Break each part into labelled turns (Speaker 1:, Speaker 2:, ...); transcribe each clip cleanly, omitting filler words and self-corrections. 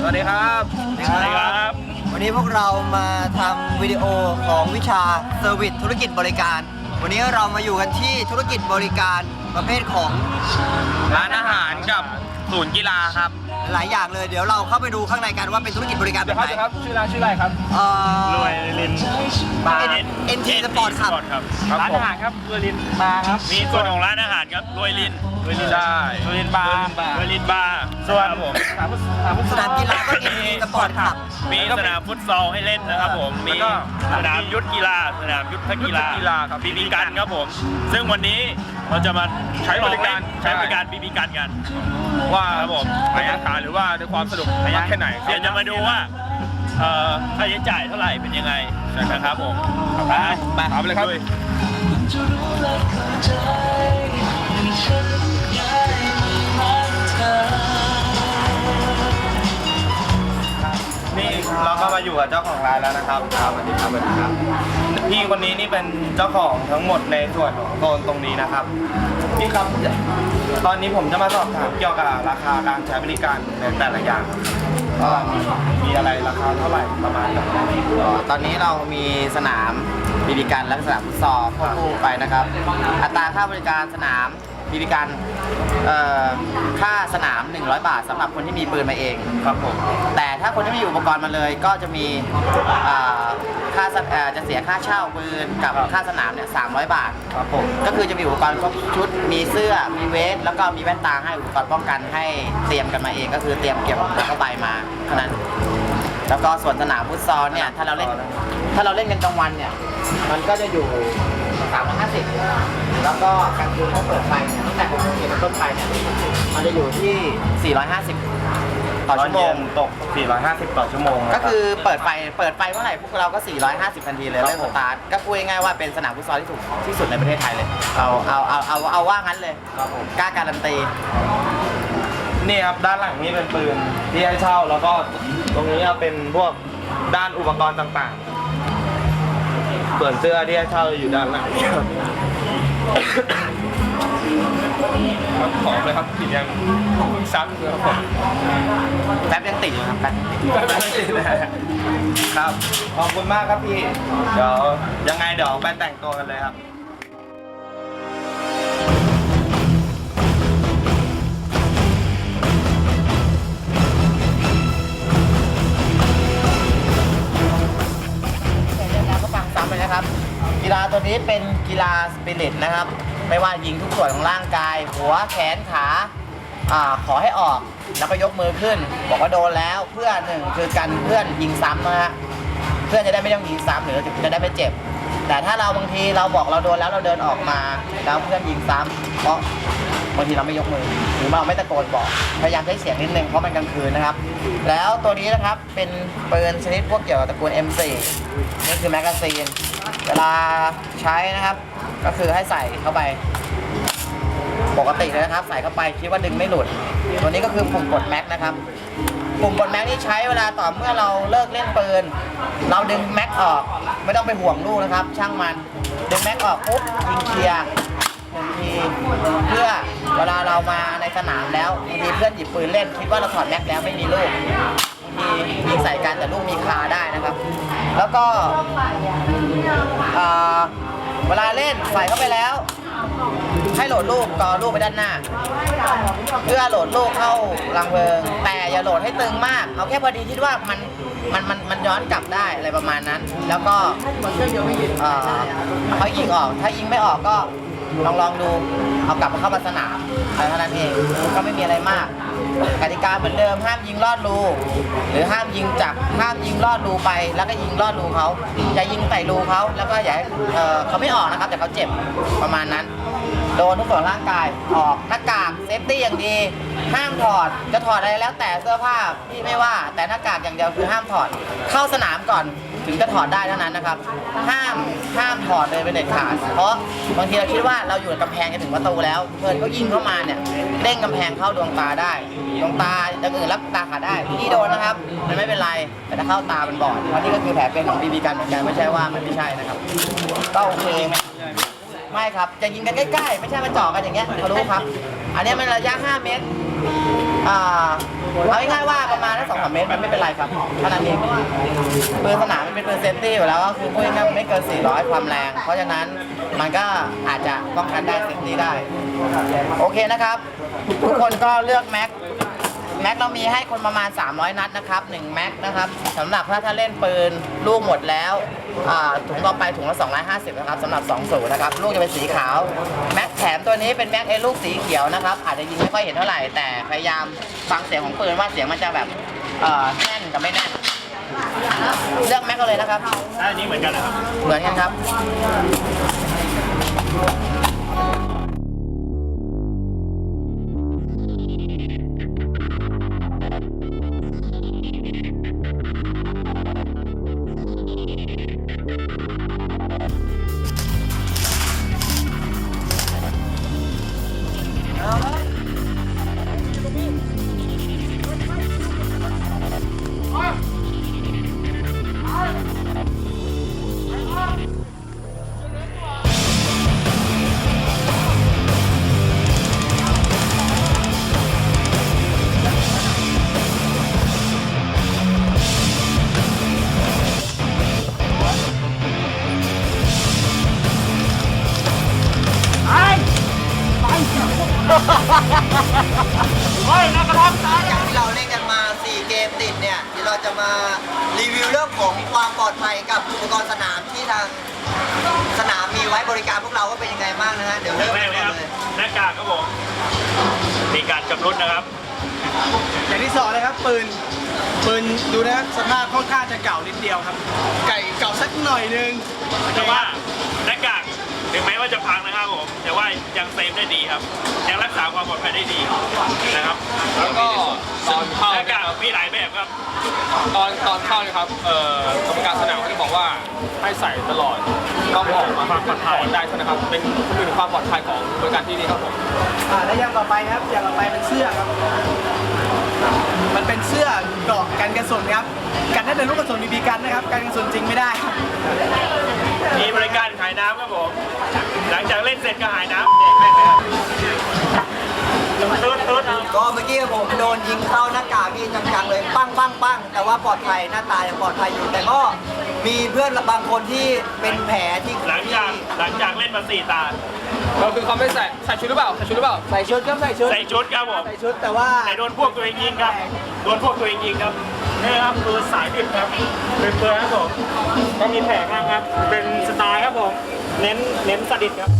Speaker 1: สวัสดีครับสวัสดีครับ
Speaker 2: วันนี้พวกเรามาทำวิดีโอของวิชาเซอร์วิสธุรกิจบริการวันนี้เรามาอยู่กันที่ธุรกิจบริการประเภทของ
Speaker 1: ร้านอาหารกับศูนย์กีฬาครับ
Speaker 2: หลายอย่างเลยเดี๋ยวเราเข้าไปดูข้างในกันว่าเป็นธุรกิจบริการแบบไหน
Speaker 1: ครับชื่อร้านชื่ออะไรครับ
Speaker 3: รวยลิน
Speaker 2: บาร์เอ็นทีสปอร์ตครับ
Speaker 3: ร้านอาหารครับรวยลินบาร์ครับมีส่วนของร้านอาหารครับรวยลิน
Speaker 1: ใช่
Speaker 3: รวยลินบาร์รวยลินบาร์ส่วนผม
Speaker 2: สนามกีฬาก็เอ็นทีสปอร์ตครับ
Speaker 3: มีสนามฟุตซอลให้เล่นนะครับผมมีสนามยุทธกีฬาสนามยุทธกีฬา
Speaker 1: ครับ
Speaker 3: บีบีกันครับผมซึ่งวันนี้เราจะมาใช้บริการบีบีกันกัน
Speaker 1: ว่า
Speaker 3: ครับผม
Speaker 1: พยานฐานหรือว่าด้วยความสนุกมากแค่ไหน
Speaker 3: เดี๋ยวจะมาดูว่าค่าใช้จ่ายเท่าไหร่เป็นยังไงนะครับผม
Speaker 1: ไปไปเลยครับนี่เราก็มาอยู่กับเจ้าของร้านแล้วนะครับสวัสดีครับพี่คนนี้นี่เป็นเจ้าของทั้งหมดในส่วนของโซนตรงนี้นะครับพี่ครับตอนนี้ผมจะมาสอบถามเกี่ยวกับราคาการใช้บริการในแต่ละอย่างก็มีอะไรราคาเท่าไหร่ประมาณแบบ
Speaker 2: ตอนนี้เรามีสนามบีบีกันและสนามฟุตซอลควบคู่ไปนะครับอัตราค่าบริการสนามบีบีกันค่าสนาม100 บาทสำหรับคนที่มีปืนมาเอง
Speaker 1: ครับผม
Speaker 2: แต่ถ้าคนที่มีอุปกรณ์มาเลยก็จะมีค่าจะเสียค่าเช่าปืนกับค่าสนามเนี่ย300 บาท
Speaker 1: ครับผม
Speaker 2: ก็คือจะมีอุปกรณ์ครบชุดมีเสื้อมีเวสแล้วก็มีแว่นตาให้อุปกรณ์ป้องกันให้เตรียมกันมาเองก็คือเตรียมเก็บแล้วก็ใบมาเท่านั้นแล้วก็ส่วนสนามฟุตซอลเนี่ยถ้าเราเล่นกันกลางวันเนี่ยมันก็จะอยู่350แล้วก็กลางคืนเขาเปิดไฟเนี่ยตั้งแต่6 โมงเย็นเป็นต้นไปเนี่ยมันจะอยู่ที่450ต่อชั่วโมง
Speaker 1: ตก450ต่อชั่วโมง
Speaker 2: ก็คือเปิดไฟเมื่อไหร่พวกเราก็450ทันทีเลยเริ่มสตาร์ทก็พูดง่ายๆว่าเป็นสนามฟุตซอลที่ถูกที่สุดในประเทศไทยเลยเอาว่างั้นเลยกล้าการันตี
Speaker 1: นี่ครับด้านหลังนี่เป็นปืนที่ให้เช่าแล้วก็ตรงนี้เป็นพวกด้านอุปกรณ์ต่างๆส่วนเสื้อที่ให้เช่าอยู่ด้านหลังขอเลยครับติดยังซักเลยครับผม
Speaker 2: แป๊บยังติดอยู่ครับแป๊บติด
Speaker 1: ครับขอบคุณมากครับพี่เดี๋ยวยังไงเดี๋ยวไปแต่งตัวกันเลยครับ
Speaker 2: นะครับกีฬาตัวนี้เป็นกีฬาสปิริตนะครับไม่ว่ายิงทุกส่วนของร่างกายหัวแขนขาขอให้ออกแล้วก็ยกมือขึ้นบอกว่าโดนแล้วเพื่อหนึ่งคือกันเพื่อนยิงซ้ำนะฮะเพื่อนจะได้ไม่ต้องยิงซ้ำหรือจะได้ไม่เจ็บแต่ถ้าเราบางทีเราบอกเราโดนแล้วเราเดินออกมาแล้วเพื่อนยิงซ้ำเพราะบางทีเราไม่ยกมือหรือเราไม่ตะโกนบอกพยายามใช้เสียงนิดนึงเพราะมันกลางคืนนะครับแล้วตัวนี้นะครับเป็นปืนชนิดพวกเกี่ยวกับตระกูล M4 นี่คือแมกกาซีนเวลาใช้นะครับก็คือให้ใส่เข้าไปปกติเลยนะครับใส่เข้าไปคิดว่าดึงไม่หลุดตัวนี้ก็คือปุ่มกดแม็กนะครับปุ่มกดแม็กนี่ใช้เวลาต่อเมื่อเราเลิกเล่นปืนเราดึงแม็กออกไม่ต้องไปห่วงลูกนะครับช่างมันดึงแม็กออกปุ๊บยิงเคลียร์1 ทีเพื่อเวลาเรามาในสนามแล้วบางทีเพื่อนหยิบปืนเล่นคิดว่าเราถอดแม็กแล้วไม่มีลูกยิงใส่กันแต่ลูกมีคาได้นะครับแล้วก็เวลาเล่นใส่เข้าไปแล้วให้โหลดลูกกอลูกไปด้านหน้าเพื่อโหลดลูกเข้ารังเพลิงแต่อย่าโหลดให้ตึงมากเอาแค่พอดีที่ว่ามันย้อนกลับได้อะไรประมาณนั้นแล้วก็เขายิงออกถ้ายิงไม่ออกก็ลองดูเอากลับมาเข้ามาสนามเท่านั้นเองก็ไม่มีอะไรมากกติกาเหมือนเดิมห้ามยิงลอดรูหรือห้ามยิงลอดรูไปแล้วก็ยิงลอดรูเขาอย่ายิงใส่รูเขาแล้วก็อย่าเขาไม่ออกนะครับแต่เขาเจ็บประมาณนั้นโดนทุกส่วนร่างกายออกหน้ากากเซฟตี้อย่างดีห้ามถอดจะถอดอะไรแล้วแต่เสื้อผ้าพี่ไม่ว่าแต่หน้ากากอย่างเดียวคือห้ามถอดเข้าสนามก่อนถึงจะถอดได้เท่านั้นนะครับห้ามถอดเลยเป็นเด็ดขาดเพราะบางทีเราคิดว่าเราอยู่กำแพงจะถึงประตูแล้วเพื่อนเขายิงเข้ามาเนี่ยเด้งกำแพงเข้าดวงตาได้ดวงตาอย่างอื่นรับตาขาดได้ที่โดนนะครับมันไม่เป็นไรแต่ถ้าเข้าตามันบอดเพราะนี่ก็คือแผลเป็นของบีบีกันเหมือนกันไม่ใช่ว่ามันไม่ใช่นะครับก็โอเคไม่ครับจะยิงกันใกล้ๆไม่ใช่มาเจาะกันอย่างเงี้ยเขารู้ครับอันนี้มันระยะ5 เมตรเอาง่ายๆว่าประมาณสัก2-3 เมตรมันไม่เป็นไรครับเท่านั้นเองปืนสนามมันเป็นปืนเซฟตี้อยู่แล้วก็คือพูดง่ายๆมันไม่เกิน400ความแรงเพราะฉะนั้นมันก็อาจจะป้องกันได้เซฟตี้ได้โอเคนะครับทุกคนก็เลือกแม็กเรามีให้คนประมาณ300 นัดนะครับ1แม็กนะครับสำหรับถ้าเล่นปืนลูกหมดแล้วถุงต่อไปถุงละ250นะครับสำหรับ20นะครับลูกจะเป็นสีขาวแม็กแถมตัวนี้เป็นแม็กลูกสีเขียวนะครับอาจจะยิงไม่ค่อยเห็นเท่าไหร่แต่พยายามฟังเสียงของปืนว่าเสียงมันจะแบบแน่นกับไม่แน่นเลือกแม็กกันเลยนะครับ
Speaker 3: อันนี้เหมือนกันนะครับ
Speaker 2: เหมือนกันครับ
Speaker 4: อย่างที่เราเล่นกันมา 4 เกมติดเนี่ยเดี๋ยวเราจะมารีวิวเรื่องของความปลอดภัยกับอุปกรณ์สนามที่ทางสนามมีไว้บริการพวกเราว่าเป็นยังไงบ้างนะฮะ เดี๋ยว
Speaker 3: เริ่
Speaker 4: เริ่
Speaker 3: ม
Speaker 4: ม
Speaker 3: แร
Speaker 4: กัน
Speaker 3: กเลยครับ
Speaker 4: เลย
Speaker 3: หน้ากากครับผมมีการชำรุดนะครับ
Speaker 5: อย่างที่สองเลยครับปืนดูนะครับสภาพค่อนข้างจะเก่านิดเดียวครับ ไก่เก่าสักหน่อยนึง
Speaker 3: แต่ว่าหน้ากากถึงแม้ว่าจะพังนะครับผมแต่ว่ายังเซฟได้ดีครับยังรักษาความปลอดภัยได้ดีนะครับ
Speaker 6: แล้วก็ตอนเข้า
Speaker 3: หน้ากากมีหลายแบบครับ
Speaker 6: ตอนเข้าเนี่ยครับกรรมการสนามเขาจะบอกว่าให้ใส่ตลอดต้องออกมาความปลอดภัยได้ใช่ไหมครับเป็นความปลอดภัยของบริการที่นี่ครับผม
Speaker 5: และอย่างต่อไปนะครับอย่างต่อไปเป็นเสื้อครับ มันเป็นเสื้อเกราะกันกระสุนครับ กันได้แต่ลูกกระสุนบีบีกันนะครับ กันกระสุนจริงไม่ได้ครับ
Speaker 3: มีบริการขายน้ำครับผมหลังจากเล่นเสร็จก็หายน้ำแจกแม่ครับตุ๊ด
Speaker 4: ก็เมื่อกี้ผมโดนยิงเข้าหน้ากากนี่จังๆเลยปั้งปั้งปั้งแต่ว่าปลอดภัยหน้าตายังปลอดภัยอยู่ แต่ก็มีเพื่อนบางคนที่เป็นแผลที่
Speaker 3: หลังจากเล่นมา4 ตา
Speaker 6: ก็คือเขาไม่ใส่ชุดหรือเปล่าใส่ชุดหรือเปล่า
Speaker 5: ใส่ชุดครับใส่ชุด
Speaker 3: ใส่ชุดครับผม
Speaker 5: ใส่ชุดแต่ว่า
Speaker 3: แต่โดนพวกตัวเองยิงครับโดนพวกตัวเองยิงครับนี่ครับคือสายดิบครับเป็นเปลือยครับผมก็มีแผลบ้างครับเป็นสไตล์ครับผมเน้นสดิดครับ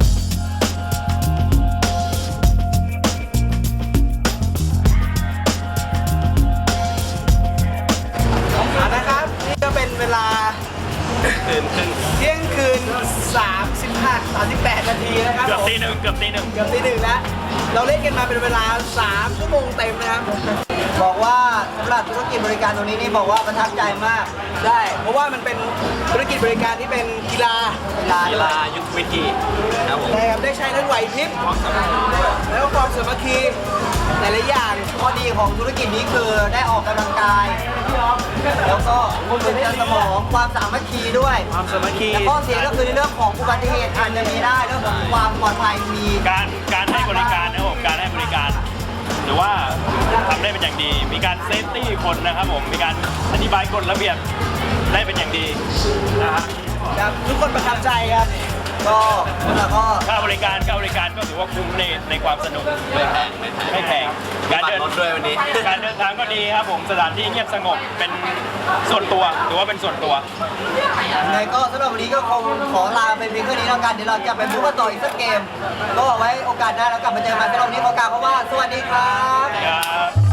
Speaker 5: นะครับนี่ก็เป็นเวลาเที่ยงคืน38 นาทีนะครับ
Speaker 3: เกือบ
Speaker 5: ผม
Speaker 3: ตีหนึ่ง
Speaker 5: เกือบตีหนึ่งแล้ว เราเล่นกันมาเป็นเวลา3 ชั่วโมงเต็มนะครับ
Speaker 4: บอกว่าสำหรับธุรกิจบริการตรงนี้นี่บอกว่าประทับใจมาก
Speaker 5: ได้ เพราะว่ามันเป็นธุรกิจบริการที่เป็นกีฬา
Speaker 4: กีฬา
Speaker 6: ยุทธวิธีครับผม
Speaker 5: นะครับได้ใช้ทั้งไหวพริบแล้วก็ความสามัคคีหลายๆอย่าง
Speaker 4: ข้อดีของธุรกิจนี้คือได้ออกกำลังกาย แล้วก็ฝึกเรื่องสมองความสามัคคีด้วย
Speaker 5: ความสามัคคี
Speaker 4: แต่ข้อเสียก็คือในเรื่องของอุบัติเหตุอาจจะมีได้เรื่องของความปลอดภัยมี
Speaker 3: การให้บริการนะครับผมการให้บริการหรือว่าทำได้เป็นอย่างดี มีการเซฟตี้คนนะครับผมมีการอธิบายกฎระเบียบได้เป็นอย่างดีนะครับ
Speaker 5: ครับทุกคนประทับใจครับ
Speaker 4: ก็แล้วก็
Speaker 3: ค่าบริการก็ถือว่าคุ้มในความสนุกไม่แพงการเดินการเดินทางก็ดีครับผมสถานที่เงียบสงบเป็นส่วนตัวถือว่าเป็นส่วนตัว
Speaker 4: ยังไงก็สำหรับวันนี้ก็คงขอลาไปเพียงแค่นี้แล้วกันเดี๋ยวเราจะไปพูดกันต่ออีกสักเกม ก็เอาไว้โอกาสหน้าแล้วกลับมาเจอกันสำหรับวันนี้ขอกล่าวคำว่าสวัสดีครับ
Speaker 3: ครับ